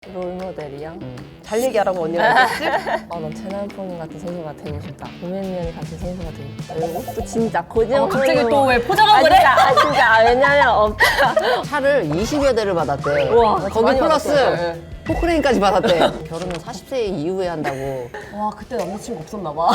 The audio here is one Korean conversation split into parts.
롤모델이요? 잘 얘기하라고 언니가 했지? 난 최남편 같은 선수가 되고 싶다. 고민면이 같은 선수가 되고 싶다. 이것도 진짜 거짓말. 갑자기 또 왜 포장하고 그래? 진짜. 왜냐면 없다. 차를 20여 대를 받았대. 우와, 거기 많이 플러스 받았어요. 포크레인까지 받았대. 결혼은 40세 이후에 한다고. 와 그때 남자친구 없었나 봐.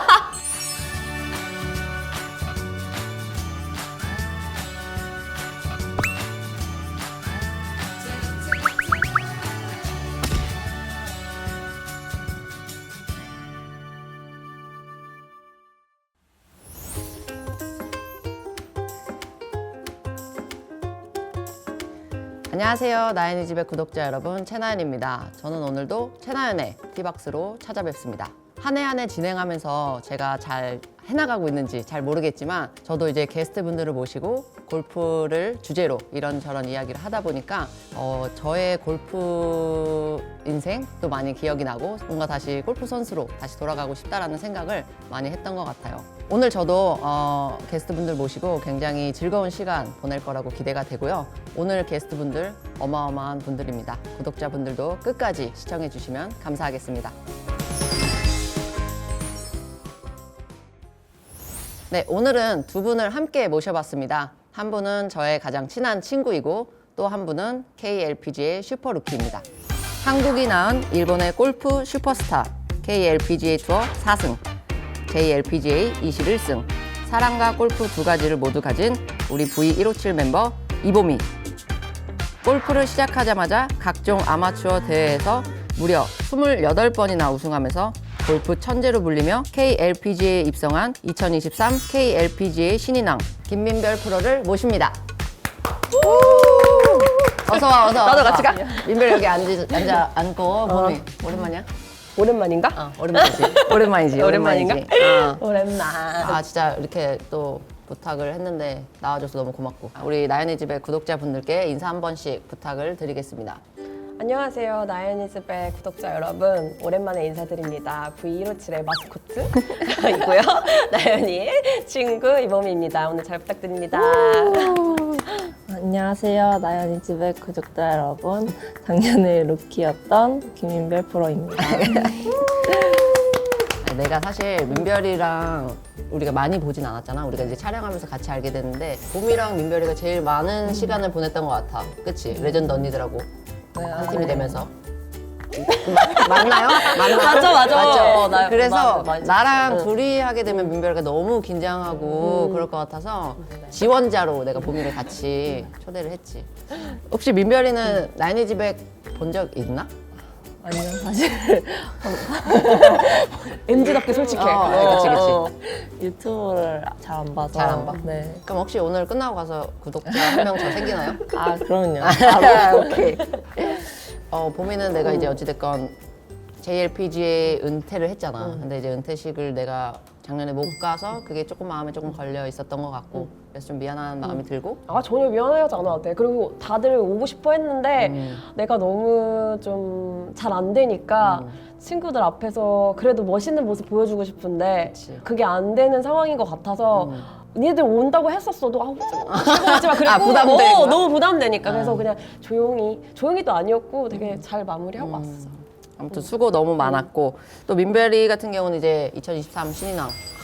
안녕하세요. 나연이 집의 구독자 여러분, 채나연입니다. 저는 오늘도 채나연의 티박스로 찾아뵙습니다. 한 해 한 해 진행하면서 제가 잘 해나가고 있는지 잘 모르겠지만 저도 이제 게스트분들을 모시고 골프를 주제로 이런저런 이야기를 하다 보니까 저의 골프 인생도 많이 기억이 나고 뭔가 다시 골프 선수로 다시 돌아가고 싶다라는 생각을 많이 했던 것 같아요. 오늘 저도 게스트분들 모시고 굉장히 즐거운 시간 보낼 거라고 기대가 되고요. 오늘 게스트분들 어마어마한 분들입니다. 구독자분들도 끝까지 시청해 주시면 감사하겠습니다. 네, 오늘은 두 분을 함께 모셔봤습니다. 한 분은 저의 가장 친한 친구이고 또 한 분은 KLPGA 슈퍼루키입니다. 한국이 낳은 일본의 골프 슈퍼스타, KLPGA 투어 4승, JLPGA 21승, 사랑과 골프 두 가지를 모두 가진 우리 V157 멤버 이보미. 골프를 시작하자마자 각종 아마추어 대회에서 무려 28번이나 우승하면서 골프 천재로 불리며 KLPGA에 입성한 2023 KLPGA 신인왕 김민별 프로를 모십니다. 어서 와, 어서 와. 나도 같이 가. 민별 여기 앉고 보미. 오랜만이야? 오랜만인가? 오랜만이지. 오랜만이지. 오랜만인가? 어. 오랜만. 아 진짜 이렇게 또 부탁을 했는데 나와줘서 너무 고맙고 우리 나연이 집의 구독자분들께 인사 한 번씩 부탁을 드리겠습니다. 안녕하세요. 나연이즈의 구독자 여러분. 오랜만에 인사드립니다. V157의 마스코트이고요. 나연이의 친구 이범희입니다. 오늘 잘 부탁드립니다. 안녕하세요. 나연이 집의 구독자 여러분. 작년에 루키였던 김민별 프로입니다. 내가 사실 민별이랑 우리가 많이 보진 않았잖아. 우리가 이제 촬영하면서 같이 알게 됐는데 봄이랑 민별이가 제일 많은 시간을 보냈던 것 같아. 그치? 레전드 언니들하고 한 팀이 되면서. 맞나요? 맞아. 맞죠? 그래서 맞아. 나랑 둘이 하게 되면 민별이가 너무 긴장하고 그럴 것 같아서 지원자로 내가 봄이를 같이 초대를 했지. 혹시 민별이는 나연이 집에 본 적 있나? 아니요, 사실 MZ답게 솔직해. 그치. 유튜브를 잘 안 봐서. 잘 안 봐? 네. 그럼 혹시 오늘 끝나고 가서 구독자 한 명 더 생기나요? 아, 그럼요. 오케이. 봄이는 내가 이제 어찌됐건 JLPGA 은퇴를 했잖아. 근데 이제 은퇴식을 내가 작년에 못 가서 그게 조금 마음에 조금 걸려 있었던 것 같고 그래서 좀 미안한 마음이 들고 아 전혀 미안하지 않아. 그리고 다들 오고 싶어 했는데 내가 너무 좀 잘 안 되니까 친구들 앞에서 그래도 멋있는 모습 보여주고 싶은데 그치. 그게 안 되는 상황인 것 같아서 니들 온다고 했었어도 오지 마. 그리고 부담되는 거야? 너무 부담되니까 그래서 그냥 조용히도 아니었고 되게 잘 마무리하고 왔어. 아무튼 수고 너무 많았고 또 민별이 같은 경우는 이제 2023 신인왕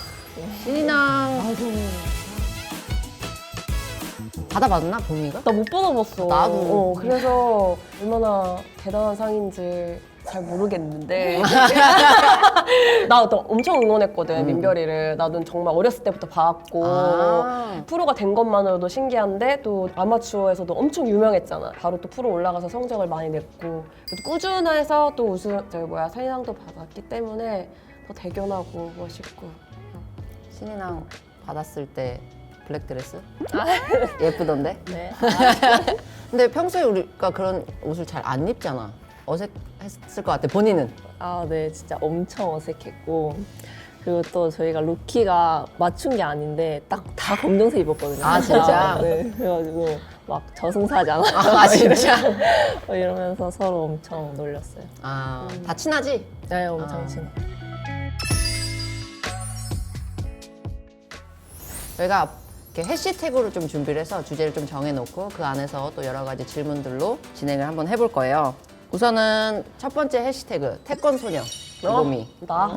받아봤나 봄이가? 나 못 받아봤어. 나도. 그래서 얼마나 대단한 상인지 잘 모르겠는데 나 또 엄청 응원했거든 민별이를. 나도 정말 어렸을 때부터 봐왔고 프로가 된 것만으로도 신기한데 또 아마추어에서도 엄청 유명했잖아. 바로 또 프로 올라가서 성적을 많이 냈고 또 꾸준해서 또 우승 선인왕도 받았기 때문에 더 대견하고 멋있고. 신인왕 받았을 때 블랙드레스? 예쁘던데? 네. 근데 평소에 우리가 그런 옷을 잘 안 입잖아. 어색했을 것 같아, 본인은. 아, 네. 진짜 엄청 어색했고. 그리고 또 저희가 루키가 맞춘 게 아닌데 딱 다 검정색 입었거든요. 아, 진짜? 네. 그래가지고 막 저승사잖아. 아, 진짜? 이러면서 서로 엄청 놀렸어요. 아, 다 친하지? 네, 엄청 아. 친해. 저희가 이렇게 해시태그로 좀 준비를 해서 주제를 좀 정해놓고 그 안에서 또 여러 가지 질문들로 진행을 한번 해볼 거예요. 우선은 첫 번째 해시태그 태권소녀 이범이. 나?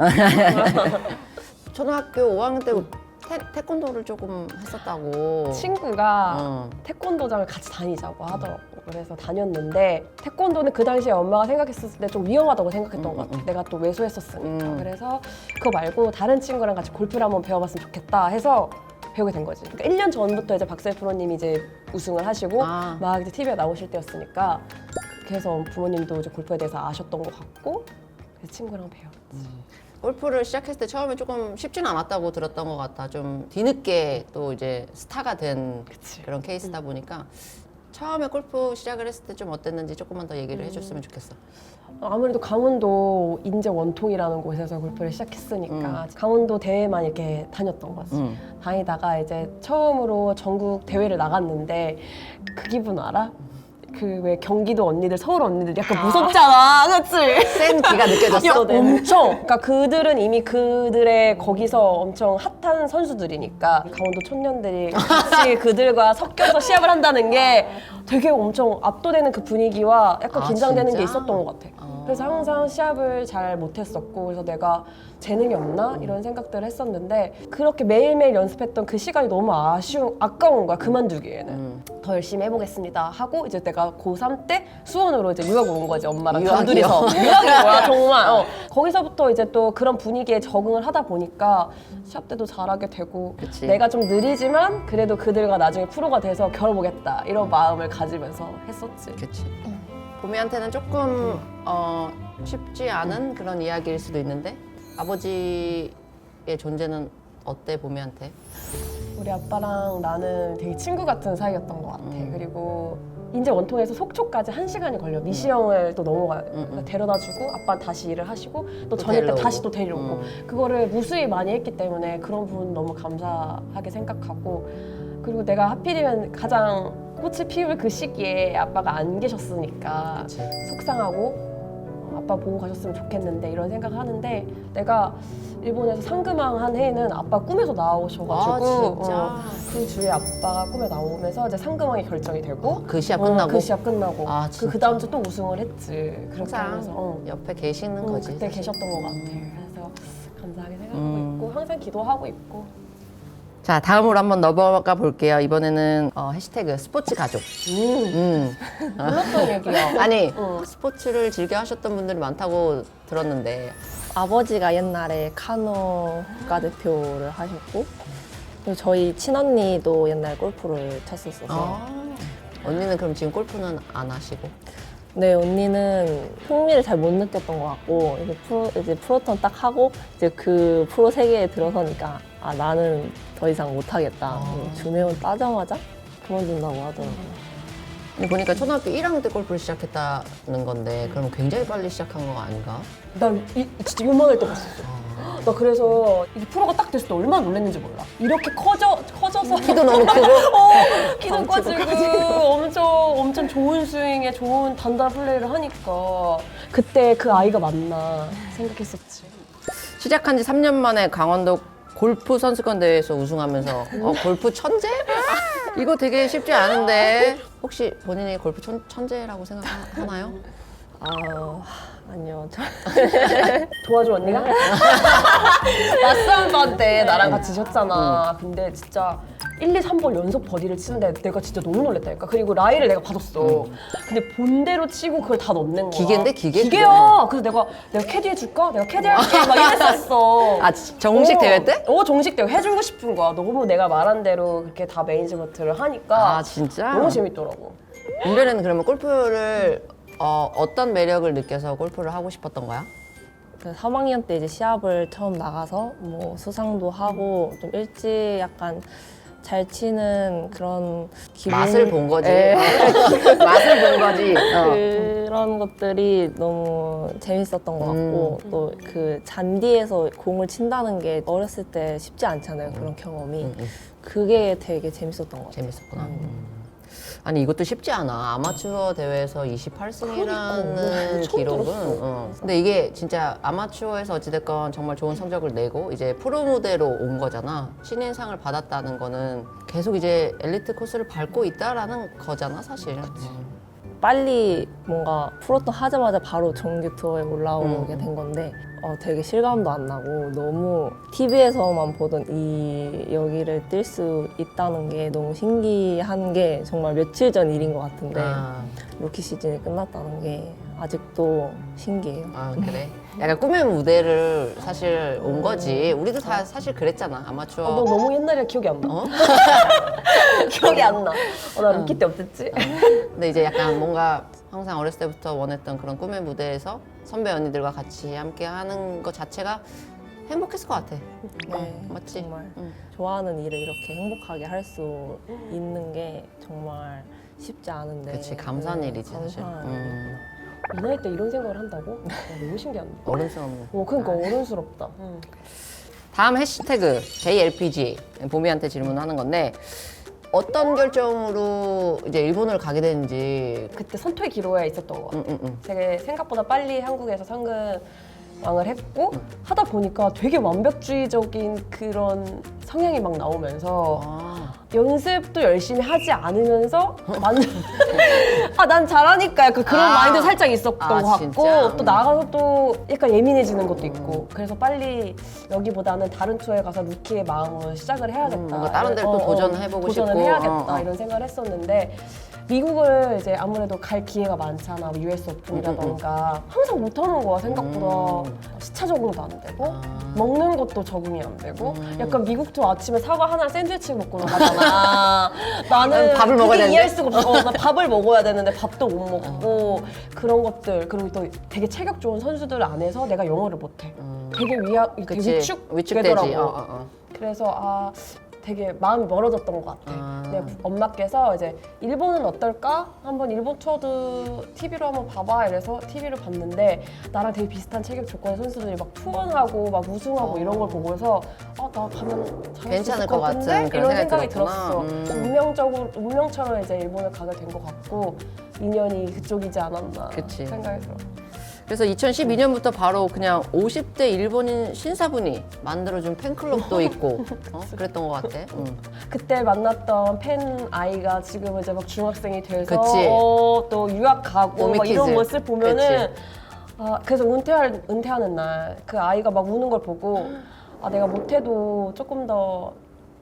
초등학교 5학년 때 태권도를 조금 했었다고. 친구가 어. 태권도장을 같이 다니자고 하더라고. 그래서 다녔는데 태권도는 그 당시에 엄마가 생각했을 때 좀 위험하다고 생각했던 것 같아. 내가 또 외소했었으니까. 그래서 그거 말고 다른 친구랑 같이 골프를 한번 배워봤으면 좋겠다 해서 배우게 된 거지. 그러니까 1년 전부터 이제 박세일 프로님이 이제 우승을 하시고 아. 막 이제 TV에 나오실 때였으니까 그래서 부모님도 이제 골프에 대해서 아셨던 것 같고 그래서 친구랑 배웠지. 골프를 시작했을 때 처음에 조금 쉽지는 않았다고 들었던 것 같아. 좀 뒤늦게 또 이제 스타가 된 그런 케이스다 보니까 처음에 골프 시작을 했을 때 좀 어땠는지 조금만 더 얘기를 해줬으면 좋겠어. 아무래도 강원도 인제 원통이라는 곳에서 골프를 시작했으니까 강원도 대회만 이렇게 다녔던 거지. 다니다가 이제 처음으로 전국 대회를 나갔는데 그 기분 알아? 그 왜 경기도 언니들, 서울 언니들 약간 무섭잖아, 그렇지? 센 기가 느껴졌어. 엄청. 그러니까 그들은 이미 그들의 거기서 엄청 핫한 선수들이니까 강원도 촌년들이 같이 그들과 섞여서 시합을 한다는 게 되게 엄청 압도되는 그 분위기와 약간 아, 긴장되는 진짜? 게 있었던 것 같아. 그래서 항상 시합을 잘 못했었고 그래서 내가 재능이 없나 이런 생각들을 했었는데 그렇게 매일매일 연습했던 그 시간이 너무 아까운 거야. 그만두기에는 더 열심히 해보겠습니다 하고 이제 내가 고3 때 수원으로 이제 유학을 온 거지. 엄마랑 유학이요? 단둘이서 유학인 거야 정말. 거기서부터 이제 또 그런 분위기에 적응을 하다 보니까 시합 때도 잘하게 되고 그치. 내가 좀 느리지만 그래도 그들과 나중에 프로가 돼서 겨뤄보겠다 이런 마음을 가지면서 했었지. 그치. 보미한테는 조금 쉽지 않은 그런 이야기일 수도 있는데 아버지의 존재는 어때 보미한테? 우리 아빠랑 나는 되게 친구 같은 사이였던 것 같아. 그리고 인제 원통에서 속초까지 1시간이 걸려. 미시형을 또 넘어가야 돼. 그러니까 데려다주고 아빠는 다시 일을 하시고 또 저녁 때 데려오고. 다시 또 데려오고 그거를 무수히 많이 했기 때문에 그런 부분 너무 감사하게 생각하고 그리고 내가 하필이면 가장 꽃을 피울 그 시기에 아빠가 안 계셨으니까 그치. 속상하고 아빠 보고 가셨으면 좋겠는데 이런 생각을 하는데 내가 일본에서 상금왕 한 해에는 아빠 꿈에서 나오셔가지고 아, 진짜? 그 주에 아빠가 꿈에 나오면서 이제 상금왕이 결정이 되고 그 시합 끝나고? 그 시합 끝나고 아, 진짜? 그 다음 주 또 우승을 했지. 그렇게 항상 하면서 옆에 계시는 거지. 그때 사실. 계셨던 것 같아. 그래서 감사하게 생각하고 있고 항상 기도하고 있고. 자, 다음으로 한번 넘어가 볼게요. 이번에는 해시태그 스포츠 가족. 몰랐던 얘기야. 아니, 스포츠를 즐겨 하셨던 분들이 많다고 들었는데 아버지가 옛날에 카누 국가대표를 하셨고 그리고 저희 친언니도 옛날 골프를 쳤었어서 언니는 그럼 지금 골프는 안 하시고? 네, 언니는 흥미를 잘 못 느꼈던 것 같고 이제 프로턴 딱 하고 이제 그 프로 세계에 들어서니까 아 나는 더 이상 못하겠다. 준회원 따자마자 그만둔다고 하더라고요. 근데 보니까 초등학교 1학년 때 골프를 시작했다는 건데 그럼 굉장히 빨리 시작한 거 아닌가? 나 진짜 요만할 때 봤었어. 나 그래서 이게 프로가 딱 됐을 때 얼마나 놀랐는지 몰라. 이렇게 커져서 키도 너무 크고 키도 커지고 엄청 좋은 스윙에 좋은 단단한 플레이를 하니까 그때 그 아이가 맞나 생각했었지. 시작한 지 3년 만에 강원도 골프 선수권 대회에서 우승하면서 골프 천재? 이거 되게 쉽지 않은데 혹시 본인이 골프 천재라고 생각하나요? 아니요. 도와줘 언니가? 맞싸움반 때 나랑 같이 졌잖아. 근데 진짜 1, 2, 3번 연속 버디를 치는데 내가 진짜 너무 놀랬다니까. 그리고 라이를 내가 받았어. 근데 본대로 치고 그걸 다 넣는 거야. 기계인데, 기계? 기계야. 그래서 내가 캐디 해줄까? 내가 캐디 할게 막 이랬었어. 아, 정식 대회 때? 정식 대회 해주고 싶은 거야. 너무 내가 말한 대로 그렇게 다 매니지먼트를 하니까 아, 진짜? 너무 재밌더라고. 은별이는 그러면 골프를 어떤 매력을 느껴서 골프를 하고 싶었던 거야? 그 3학년 때 이제 시합을 처음 나가서 뭐 수상도 하고 좀 일찍 약간 잘 치는 그런 기분 맛을 본 거지. 예. 맛을 본 거지. 그런 것들이 너무 재밌었던 것 같고 또 그 잔디에서 공을 친다는 게 어렸을 때 쉽지 않잖아요. 그런 경험이 그게 되게 재밌었던 것 같아요. 재밌었구나. 아니 이것도 쉽지 않아. 아마추어 대회에서 28승이라는 처음 기록은. 들었어. 근데 이게 진짜 아마추어에서 어찌됐건 정말 좋은 성적을 내고 이제 프로 무대로 온 거잖아. 신인상을 받았다는 거는 계속 이제 엘리트 코스를 밟고 있다라는 거잖아, 사실. 빨리 뭔가 프로토 하자마자 바로 정규 투어에 올라오게 된 건데 되게 실감도 안 나고 너무 TV에서만 보던 이 여기를 뛸 수 있다는 게 너무 신기한 게 정말 며칠 전 일인 것 같은데 루키 시즌이 끝났다는 게 아직도 신기해요. 아 그래? 약간 꿈의 무대를 사실 온 거지. 우리도 다 사실 그랬잖아. 아마추어. 너 너무 옛날이라 기억이 안 나. 어? 기억이 안 나. 나 루키 때 어땠지? 근데 이제 약간 뭔가 항상 어렸을 때부터 원했던 그런 꿈의 무대에서 선배 언니들과 같이 함께 하는 것 자체가 행복했을 것 같아. 네, 맞지? 정말 응. 좋아하는 일을 이렇게 행복하게 할 수 있는 게 정말 쉽지 않은데. 그치, 감사한 일이지, 사실. 감사한 이 나이 때 이런 생각을 한다고? 너무 신기한데. 어른스럽네. 그러니까 어른스럽다. 다음 해시태그 JLPG 보미한테 질문하는 건데 어떤 결정으로 이제 일본을 가게 되는지. 그때 선토의 기로에 있었던 것 같아. 되게 생각보다 빨리 한국에서 상금왕을 했고 하다 보니까 되게 완벽주의적인 그런 성향이 막 나오면서 아, 연습도 열심히 하지 않으면서 난 잘하니까 약간 그런 아. 마인드 살짝 있었던 것 같고 진짜? 또 나가서 또 약간 예민해지는 것도 있고 그래서 빨리 여기보다는 다른 투어에 가서 루키의 마음으로 시작을 해야겠다. 뭔가 다른 데를 또 도전해보고 도전을 싶고. 해야겠다 이런 생각을 했었는데 미국을 이제 아무래도 갈 기회가 많잖아. 뭐 US 오픈이라던가 항상 못하는 거야 생각보다. 시차 적응도 안 되고 먹는 것도 적응이 안 되고 약간 미국 투어 아침에 사과 하나 샌드위치 먹고 나가잖아. 나는 밥을 그게 먹어야 이해할 되는데? 수가 없어. 나 밥을 먹어야 되는데 밥도 못 먹고 그런 것들 그리고 또 되게 체격 좋은 선수들 안에서 내가 영어를 못해. 되게 되게 그치. 위축되더라고. 위축되지. 그래서 되게 마음이 멀어졌던 것 같아. 내 엄마께서 이제 일본은 어떨까? 한번 일본 투어도 TV로 한번 봐봐 이래서 TV를 봤는데 나랑 되게 비슷한 체격 조건의 선수들이 막 투혼하고 막 우승하고 이런 걸 보고서 나 가면 잘할 수 괜찮을 있을 것 것 같은데? 같은 그런 이런 생각이 생각이 들었구나. 들었어. 운명처럼 이제 일본을 가게 된 것 같고 인연이 그쪽이지 않았나 그치. 생각이 들어. 그래서 2012년부터 바로 그냥 50대 일본인 신사분이 만들어준 팬클럽도 있고 그랬던 것 같아. 그때 만났던 팬 아이가 지금 이제 막 중학생이 돼서 그치. 또 유학 가고 막 이런 오미키즈. 모습 보면은 그래서 은퇴하는 날 그 아이가 막 우는 걸 보고 내가 못해도 조금 더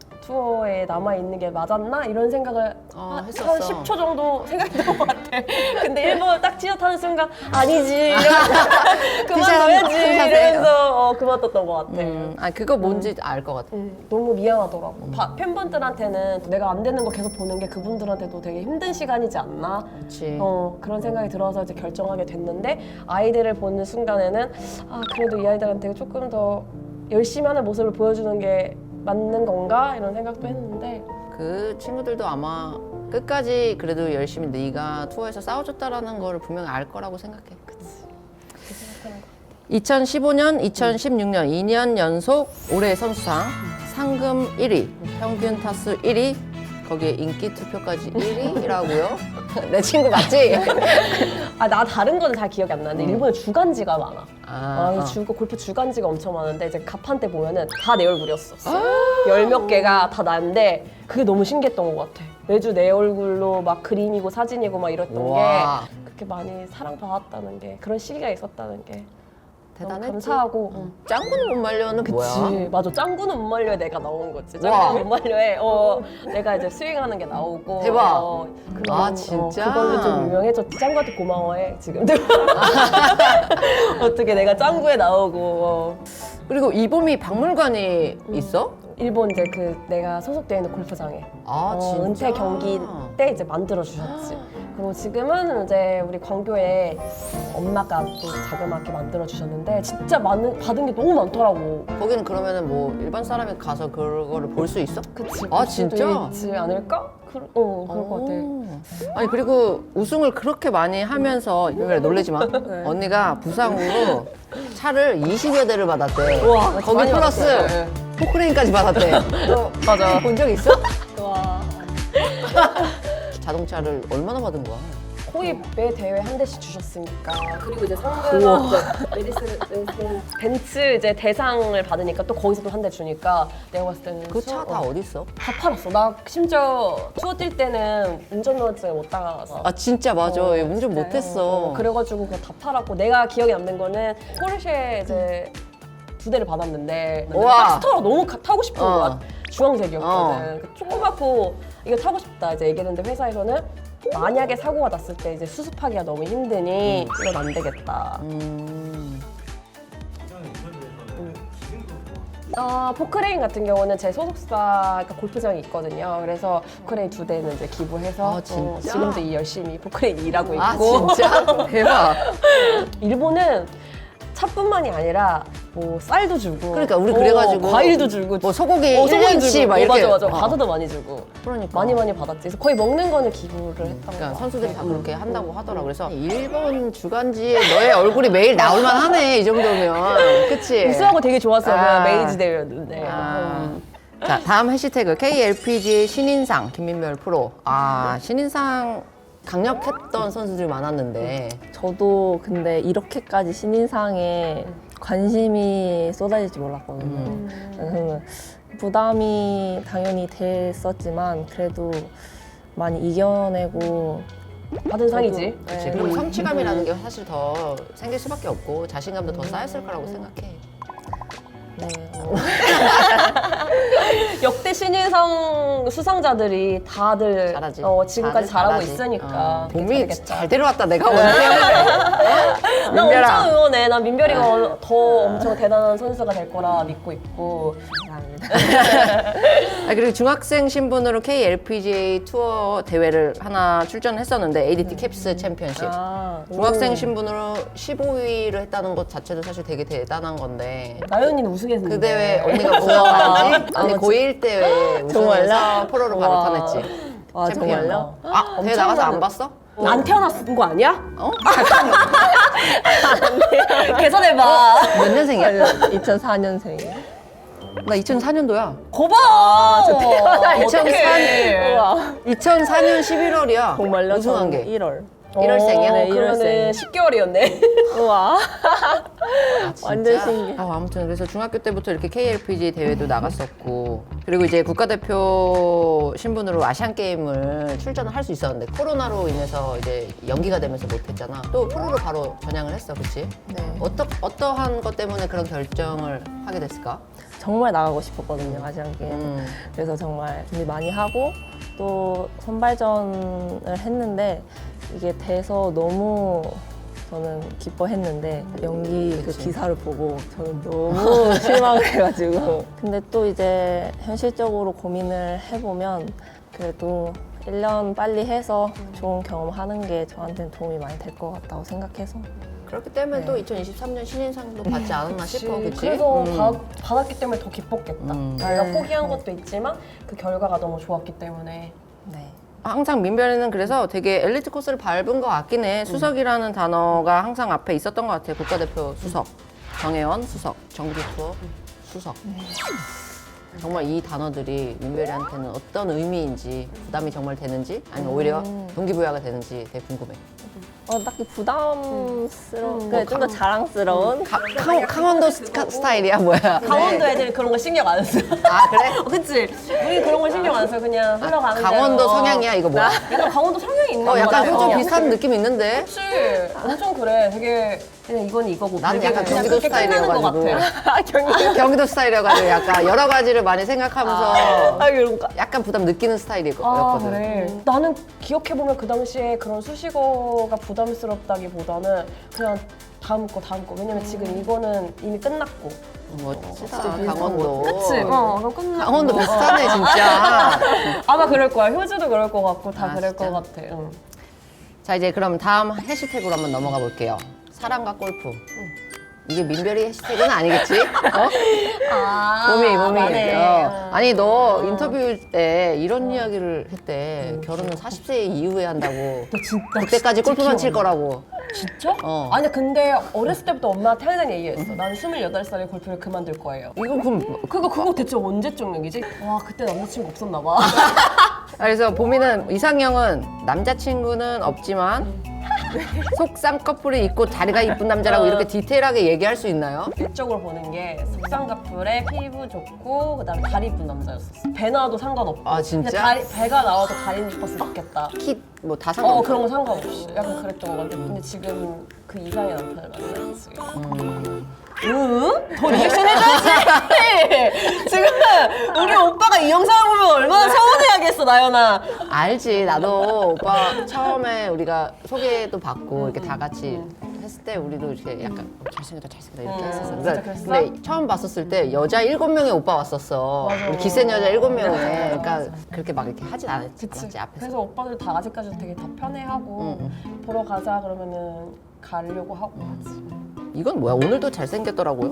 투어에 남아있는 게 맞았나? 이런 생각을 한 했었어. 10초 정도 생각했던 것 같아. 근데 일본 딱 티셔츠하는 순간 아니지 이러면서 그만둬야지 이러면서 그만뒀던 것 같아. 그거 뭔지 알 것 같아. 너무 미안하더라고. 팬분들한테는 내가 안 되는 거 계속 보는 게 그분들한테도 되게 힘든 시간이지 않나? 그렇지. 그런 생각이 들어서 이제 결정하게 됐는데 아이들을 보는 순간에는 그래도 이 아이들한테 조금 더 열심히 하는 모습을 보여주는 게 맞는 건가? 이런 생각도 했는데 그 친구들도 아마 끝까지 그래도 열심히 네가 투어에서 싸워줬다라는 걸 분명히 알 거라고 생각해. 그 생각하는 거. 2015년, 2016년 2년 연속 올해 선수상 상금 1위, 평균 타수 1위, 거기에 인기 투표까지 1위라고요? 내 친구 맞지? 나 다른 거는 잘 기억이 안 나는데 일본에 주간지가 많아. 골프 주간지가 엄청 많은데 이제 가판대 보면은 다 내 얼굴이었어. 열 몇 개가 다 나인데 그게 너무 신기했던 것 같아. 매주 내 얼굴로 막 그림이고 사진이고 막 이랬던 우와. 게 그렇게 많이 사랑받았다는 게 그런 시기가 있었다는 게 너무 대단했지. 감사하고. 짱구는 못 말려는 뭐야? 그치. 맞아. 짱구는 못 말려에 내가 나온 거지. 와. 짱구는 못 말려에 내가 이제 스윙하는 게 나오고. 대박. 그런, 진짜? 그걸로 좀 유명해졌지. 짱구한테 고마워해 지금도. 어떻게 내가 짱구에 나오고. 그리고 이봄이 박물관이 있어? 일본 이제 내가 소속되어 있는 골프장에 진짜? 은퇴 경기 때 이제 만들어 주셨지. 그리고 지금은 이제 우리 광교에 엄마가 또 자그맣게 만들어 주셨는데 진짜 받은 게 너무 많더라고. 거기는 그러면은 뭐 일반 사람이 가서 그거를 볼 수 있어? 그치. 아, 볼 수도 진짜? 있지 않을까? 그럴 것 같아. 아니 그리고 우승을 그렇게 많이 하면서 그래 놀래지 마. 언니가 부상으로 차를 20여 대를 받았대. 우와, 거기 많이 플러스 받았어요. 포크레인까지 받았대. 맞아. 본 적 있어? 와. 자동차를 얼마나 받은 거야? 거의 매 대회 한 대씩 주셨으니까. 그리고 이제 상금 벤츠 이제 대상을 받으니까 또 거기서 또 한 대 주니까 내가 봤을 때는 그 차 다 어디 있어? 다 팔았어. 나 심지어 투어 뛸 때는 운전면허증 못 따가서. 아 진짜 맞아. 얘 운전 못했어. 그래가지고 그거 다 팔았고 내가 기억에 남는 거는 포르쉐 이제 2대를 받았는데 우와. 박스터가 너무 타고 싶은 어. 거야. 주황색이었거든. 그 조그맣고 이거 타고 싶다 이제 얘기했는데 회사에서는 만약에 사고가 났을 때 이제 수습하기가 너무 힘드니 이건 안 되겠다. 포크레인 같은 경우는 제 소속사 그러니까 골프장이 있거든요. 그래서 포크레인 2대는 이제 기부해서 아, 진짜? 지금도 열심히 포크레인 일하고 있고. 아 진짜? 대박. 일본은 차뿐만이 아니라 뭐 쌀도 주고 그러니까 우리 그래가지고 과일도 주고 뭐 소고기 소고기 1년치 주고. 막 이렇게 맞아 어. 과자도 많이 주고 그러니까. 많이 받았지. 그래서 거의 먹는 거는 기부를 했던 그러니까 거 선수들이 다 그렇게 한다고 하더라고. 그래서 일본 주간지에 너의 얼굴이 매일 나올만 하네 이 정도면. 그치? 우승하고 되게 좋았어요. 아. 메이지 대회였는데. 자 다음 해시태그 KLPGA 신인상 김민별 프로. 아 신인상 강력했던 선수들이 많았는데 저도 근데 이렇게까지 신인상에 관심이 쏟아질 줄 몰랐거든요. 그래서 부담이 당연히 됐었지만 그래도 많이 이겨내고 받은 상이지. 그치. 네. 그리고 성취감이라는 게 사실 더 생길 수밖에 없고 자신감도 더 쌓였을 거라고 생각해. 네, 역대 신인상 수상자들이 다들 잘하지. 지금까지 다들 잘하고 잘하지. 있으니까 봄이 잘하겠다. 잘 데려왔다 내가 오늘 때문에. 나 민별아. 엄청 응원해. 난 민별이가 더 엄청 대단한 선수가 될 거라 믿고 있고. 아, 그리고 중학생 신분으로 KLPGA 투어 대회를 하나 출전했었는데 ADT 캡스 챔피언십. 아, 중학생 신분으로 15위를 했다는 것 자체도 사실 되게 대단한 건데 나연이는 우승했는데. 그 대회 언니가 우승하지? 언니 아, 고1 대회 우승해서 정말요? 프로로 바로 와. 탄했지. 와 챔피언. 정말요? 아, 대회 나가서 안 봤어? 안 태어났은 거 아니야? 어? 계산해봐. 몇 년생이야? 2004년생이에요. 나 2004년도야. 거봐. 저 태어나 2004년. 우와 2004년 11월이야. 정말요? 우승한 저는 게. 1월. 1월생이야? 네, 그러면은 10개월이었네. 우와 아, 진짜? 완전 신기해. 아무튼 그래서 중학교 때부터 이렇게 KLPG 대회도 나갔었고 그리고 이제 국가대표 신분으로 아시안 게임을 출전을 할 수 있었는데 코로나로 인해서 이제 연기가 되면서 못했잖아. 또 프로로 바로 전향을 했어, 그렇지? 네. 어떠한 것 때문에 그런 결정을 하게 됐을까? 정말 나가고 싶었거든요 아시안 게임. 그래서 정말 준비 많이 하고 또 선발전을 했는데 이게 돼서 너무 저는 기뻐했는데 연기 그 그치. 기사를 보고 저는 너무 실망을 해가지고 근데 또 이제 현실적으로 고민을 해보면 그래도 1년 빨리 해서 좋은 경험하는 게 저한테는 도움이 많이 될 것 같다고 생각해서 그렇기 때문에 네. 또 2023년 신인상도 받지 않았나 싶어, 그치? 그래서 받았기 때문에 더 기뻤겠다. 내가 네. 포기한 것도 있지만 그 결과가 너무 좋았기 때문에. 네. 항상 민별이는 그래서 되게 엘리트 코스를 밟은 것 같긴 해. 수석이라는 단어가 항상 앞에 있었던 것 같아요. 국가대표 수석, 정혜원 수석, 정규 투어 수석. 정말 이 단어들이 민별이한테는 어떤 의미인지 부담이 정말 되는지 아니면 오히려 동기부여가 되는지 되게 궁금해. 딱히 부담스러운, 좀 더 자랑스러운 강원도 스타일이야 뭐야? 강원도 애들이 그런 거 신경 안 써. 아 그래? 그치? 우리 그런 거 신경 안 써. 그냥 흘러가는 강원도 대로. 성향이야 이거 뭐야? 약간 강원도 성향이 있는 거 약간 같아. 호주 비슷한 느낌 있는데? 그치? 엄청 그래. 되게 그냥 이건 이거고. 나는 되게 약간 그냥 경기도 그렇게 끝나는 것 스타일이어가지고. 같아. 경기도 스타일이어가지고 약간 여러 가지를 많이 생각하면서 그런가? 약간 부담 느끼는 스타일이었거든. 아 그래. 나는 기억해보면 그 당시에 그런 수식어가 부담스럽다기보다는 그냥 다음 거. 왜냐면 지금 이거는 이미 끝났고. 멋지다 강원도. 그치? 그럼 끝났고. 강원도 비슷하네 진짜. 아마 그럴 거야. 효주도 그럴 것 같고 다 아, 그럴 진짜? 것 같아. 응. 자 이제 그럼 다음 해시태그로 한번 넘어가 볼게요. 사랑과 골프. 이게 민별이 해시태그는 아니겠지? 봄이. 맞네. 아니 너 인터뷰 때 이런 이야기를 했대. 결혼은 40세 이후에 한다고. 너 진짜 그때까지 진짜 골프만 칠 기억나. 거라고. 진짜? 어. 아니 근데 어렸을 때부터 엄마한테 항상 얘기했어. 나는 28살에 골프를 그만둘 거예요. 이건 그럼 그거 대체 언제적 얘기지? 와 그때 남자친구 없었나 봐. 그래서 보미는 이상형은 남자친구는 없지만 속쌍 커플이 있고 다리가 이쁜 남자라고 이렇게 디테일하게 얘기할 수 있나요? 일적으로 보는 게 속상 커플에 피부 좋고 그다음에 다리 이쁜 남자였었어. 배 나와도 상관없고. 아, 진짜? 근데 배가 나와도 다리는 이뻤으면 좋겠다. 키 뭐 다 상관없어. 그런 거 상관없이 약간 그랬던 것 같아. 근데 지금 그 이상의 남편을 만났지. 응? 더 리액션 해줘야지. 지금 우리 오빠가 이 영상을 보면 얼마나 서운해하겠어, 나연아. 알지. 나도 오빠 처음에 우리가 소개도 받고 이렇게 다 같이 했을 때 우리도 이렇게 약간 잘생겼다 이렇게 했었어. 진짜 그랬어? 근데 처음 봤었을 때 여자 7명의 오빠 왔었어. 맞아. 우리 기센 여자 7명에. 그러니까 그렇게 막 이렇게 하진 않았지 앞에서. 그래서 오빠들 다 아직까지 되게 다 편해하고 보러 가자 그러면은 가려고 하고 하지. 이건 뭐야? 오늘도 잘생겼더라고요.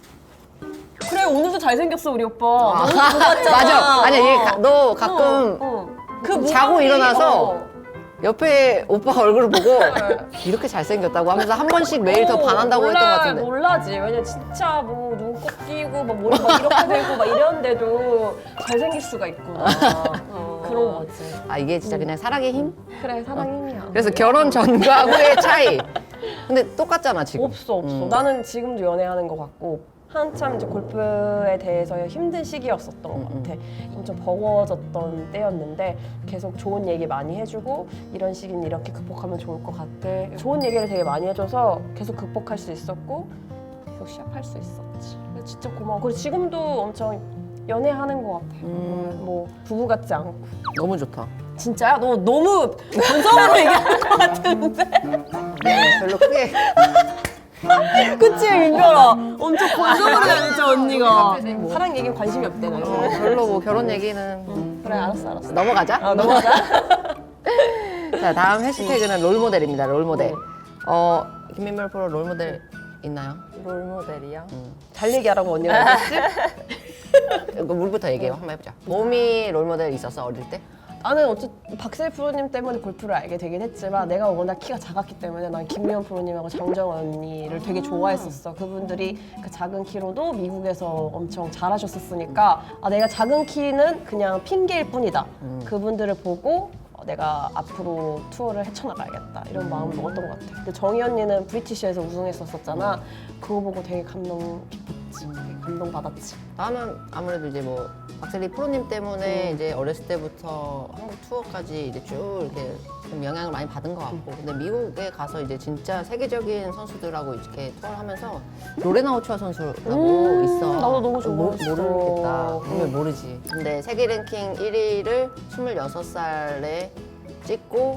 그래 오늘도 잘생겼어 우리 오빠. 너무 좋았잖아. 맞아. 아니야, 너 가끔 그 자고 무덤이, 일어나서 옆에 오빠 얼굴을 보고 이렇게 잘생겼다고 하면서 한 번씩 매일 더 반한다고 했던 것 같은데. 몰라지. 왜냐 진짜 뭐 눈곱 끼고 막 머리 막 이렇게 되고 막 이랬는데도 잘생길 수가 있구나. 그런 거지. 아, 이게 진짜 그냥 사랑의 힘? 그래 사랑 힘이야. 그래서 결혼 전과 후의 차이. 근데 똑같잖아, 지금. 없어. 나는 지금도 연애하는 것 같고 한참 이제 골프에 대해서 힘든 시기였었던 것 같아. 엄청 버거워졌던 때였는데 계속 좋은 얘기 많이 해주고 이런 시기는 이렇게 극복하면 좋을 것 같아. 좋은 얘기를 되게 많이 해줘서 계속 극복할 수 있었고 계속 시합할 수 있었지. 그래서 진짜 고마워. 그리고 지금도 엄청 연애하는 것 같아. 뭐 부부 같지 않고. 너무 좋다. 진짜야? 너 너무 건성으로 얘기하는 것 같은데? 별로 크게. 그치 민별아 엄청 건성으로 얘기했죠 언니가. 사랑 얘기 관심이 없대 나. 별로 뭐 결혼 얘기는. 그래 알았어 넘어가자. 넘어가자. 자, 다음 해시태그는 롤모델입니다. 롤모델. 김민별 프로 롤모델 있나요? 롤모델이요? 잘 얘기하라고 언니가 얘기했지? 이거 물부터 얘기해요. 한번 해보자. 몸이 롤모델 있었어, 어릴 때? 나는 어쨌든 박세일 프로님 때문에 골프를 알게 되긴 했지만 내가 워낙 키가 작았기 때문에 난 김미연 프로님하고 장정원 언니를 되게 좋아했었어. 그분들이 그 작은 키로도 미국에서 엄청 잘하셨었으니까 내가 작은 키는 그냥 핑계일 뿐이다. 그분들을 보고 내가 앞으로 투어를 헤쳐나가야겠다 이런 마음을 먹었던 것 같아. 근데 정희 언니는 브리티시에서 우승했었잖아. 그거 보고 되게 감동 깊었지. 되게 감동받았지. 나는 아무래도 이제 뭐 박세리 프로님 때문에 이제 어렸을 때부터 한국 투어까지 이제 쭉 이렇게 좀 영향을 많이 받은 것 같고, 근데 미국에 가서 이제 진짜 세계적인 선수들하고 이렇게 투어를 하면서 로레나 오초아 선수라고 있어. 나도 너무 좋아했어. 모르겠다. 분명 모르지. 근데 세계 랭킹 1위를 26살에 찍고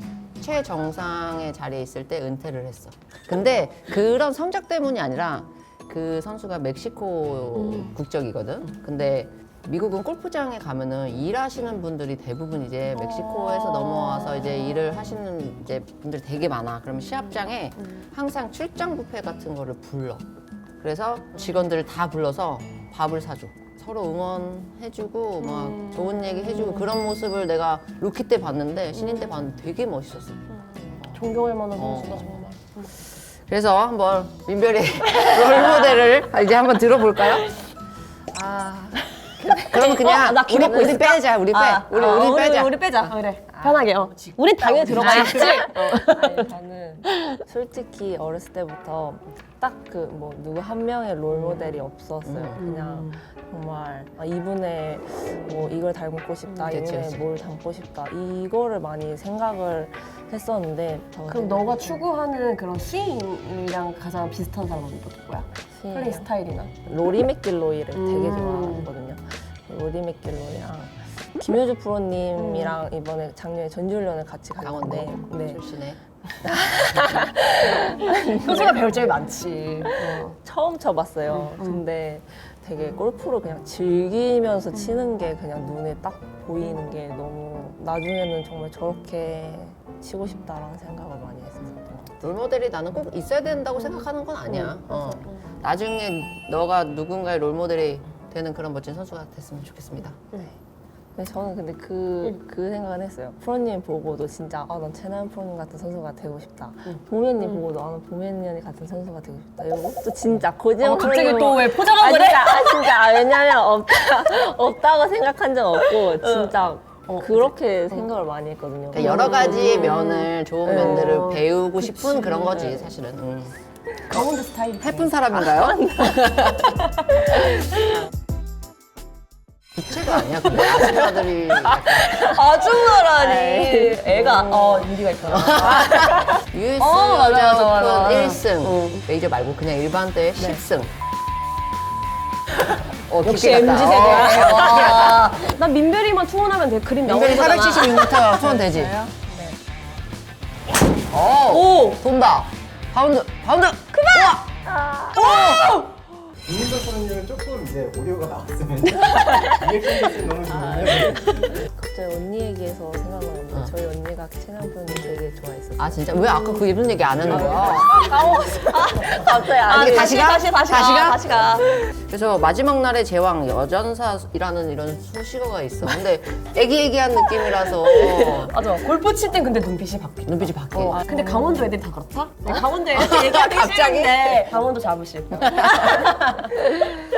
최정상의 자리에 있을 때 은퇴를 했어. 근데 그런 성적 때문이 아니라 그 선수가 멕시코 국적이거든. 근데 미국은 골프장에 가면은 일하시는 분들이 대부분 이제 멕시코에서 넘어와서 이제 일을 하시는 이제 분들이 되게 많아. 그러면 시합장에 항상 출장 뷔페 같은 거를 불러. 그래서 직원들을 다 불러서 밥을 사줘. 서로 응원해주고 막 좋은 얘기 해주고 그런 모습을 내가 루키 때 봤는데 신인 때 봤는데 되게 멋있었어. 존경할 만한 선수다 정말. 그래서 한번 민별이 롤모델을 이제 한번 들어볼까요? 그러면 그냥 우리 빼자. 우리 빼자. 우리 빼자. 그래. 편하게. 우린 당연히 들어가 있지. 아니, 저는 솔직히 어렸을 때부터 딱 그 뭐 누구 한 명의 롤모델이 없었어요. 그냥 정말 이분의 뭐 이걸 닮고 싶다, 그치, 이분의 그치. 뭘 닮고 싶다 이거를 많이 생각을 했었는데 그럼 너가 추구하는 그런 스윙이랑 가장 비슷한 사람은 누구야? 플레이 스타일이나? 로리 맥길로이를 되게 좋아하거든요. 로리 맥길로이랑 김효주 프로님이랑 이번에 작년에 전지훈련을 같이 강원도 갔는데 네. 출신에 효주가 배울 점이 많지. 처음 쳐봤어요. 근데 되게 골프를 그냥 즐기면서 치는 게 그냥 눈에 딱 보이는 게 너무 나중에는 정말 저렇게 치고 싶다라는 생각을 많이 했었던 것 같아요. 롤모델이 나는 꼭 있어야 된다고 생각하는 건 아니야. 나중에 너가 누군가의 롤모델이 되는 그런 멋진 선수가 됐으면 좋겠습니다. 네. 근데 저는 근데 그 생각은 했어요. 프로님 보고도 진짜 난 최나연 프로님 같은 선수가 되고 싶다. 보면님 보고도 나는 보면님 같은 선수가 되고 싶다. 이런 것도 진짜 고지영 갑자기 또 왜 아, 포장하고 그래? 진짜 왜냐면 없다고 생각한 적 없고 진짜 그렇게 생각을 많이 했거든요. 그러니까 여러 가지 면을 좋은 네. 면들을 배우고 싶은 그런 거지 사실은. 강원도 스타일. 해픈 사람인가요? 부채가 아니야 근데 아줌마들이 약간 아줌마라니. 에이. 애가 유리가 있구나. US 맞아, 여자 맞아, 맞아. 오픈 1승 메이저 말고 그냥 일반 대회 10승. 역시 MZ 세대. 와. 난 민별이만 투혼하면 돼. 그림 나오는 민별이 거잖아. 476m 투원 되지? 네. 오! 돈다. 바운드! 바운드! 김민석 선수는 조금 이제 오디오가 나왔으면 리액션 됐으면 너무 좋은데 갑자기 언니 얘기해서 생각나는데 저희 언니가 채널분이 되게 좋아했었어요. 아 진짜? 왜 아까 그 예쁜 얘기 안 하는 거야? 갑자기 이게 다시 가? 다시 가. 그래서 마지막 날의 제왕 여전사라는 이런 수식어가 있어. 근데 애기애기한 느낌이라서 맞아. 골프 칠 땐 근데 눈빛이 바뀌어. 눈빛이 바뀌어. 근데 강원도 애들이 다 그렇다? 강원도 애들 얘기하기 갑자기? 싫은데 강원도 잡으실 거야.